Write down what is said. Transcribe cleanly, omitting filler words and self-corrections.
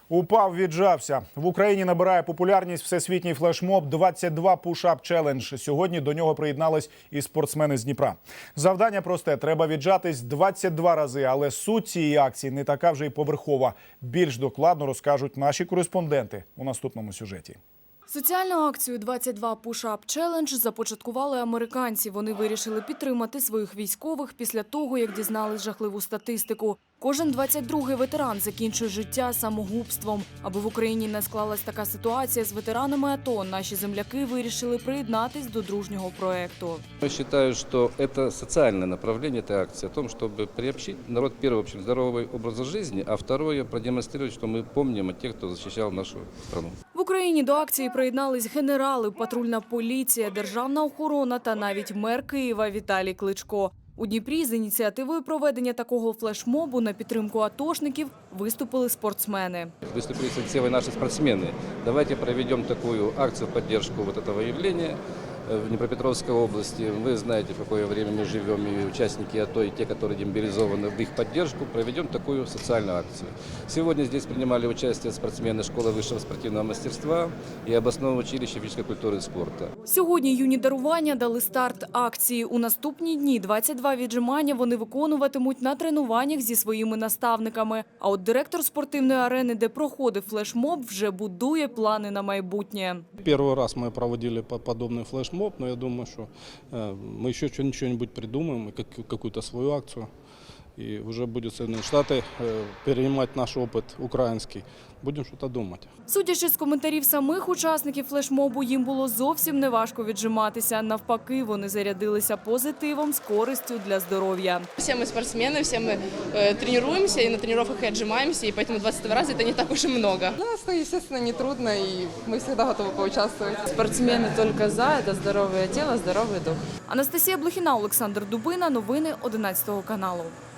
Упав, віджався. В Україні набирає популярність всесвітній флешмоб «22 Push-Up Challenge». Сьогодні до нього приєднались і спортсмени з Дніпра. Завдання просте – треба віджатись 22 рази, але суть цієї акції не така вже й поверхова. Більш докладно розкажуть наші кореспонденти у наступному сюжеті. Соціальну акцію «22 Push-Up Challenge» започаткували американці. Вони вирішили підтримати своїх військових після того, як дізнались жахливу статистику. Кожен 22-й ветеран закінчує життя самогубством. Аби в Україні не склалась така ситуація з ветеранами АТО, наші земляки вирішили приєднатись до дружнього проєкту. Я считаю, что это социальное направление этой акции, о том, чтобы приобщить народ, первое, в общем, здоровый образ жизни, а второе, продемонстрировать, что мы помним о тех, кто защищал нашу страну. В Україні до акції приєднались генерали, патрульна поліція, державна охорона та навіть мер Києва Віталій Кличко. У Дніпрі з ініціативою проведення такого флешмобу на підтримку атошників виступили спортсмени. Выступили с инициативой наши спортсмены. Давайте проведем такую акцию в поддержку вот этого явления в Днепропетровской области. Вы знаете, в какое время мы живем, и участники АТО, и те, которые демобилизованы, в их поддержку проведем такую социальную акцию. Сегодня здесь принимали участие спортсмены школы высшего спортивного мастерства и областного училища физической культуры и спорта. Сьогодні юні дарування дали старт акції. У наступні дні 22 віджимання вони виконуватимуть на тренуваннях зі своїми наставниками. А от директор спортивної арени, де проходив флешмоб, вже будує плани на майбутнє. Первый раз мы проводили подобный флешмоб, но я думаю, что мы еще что-нибудь придумаем, какую-то свою акцию. И уже будет Соединенные Штаты перенимать наш опыт украинский. Будем что-то думать. Судячи з коментарів самих учасників флешмобу, їм було зовсім неважко віджиматися. Навпаки, вони зарядилися позитивом з користю для здоров'я. Все мы спортсмены, все мы тренируемся, и на тренировках и отжимаемся, и поэтому 22 раза это не так уж и много. Для нас это, естественно, не трудно, и мы всегда готовы поучаствовать. Спортсмены только за, это здоровое тело, здоровый дух. Анастасія Блохіна, Олександр Дубина. Новини 11 каналу.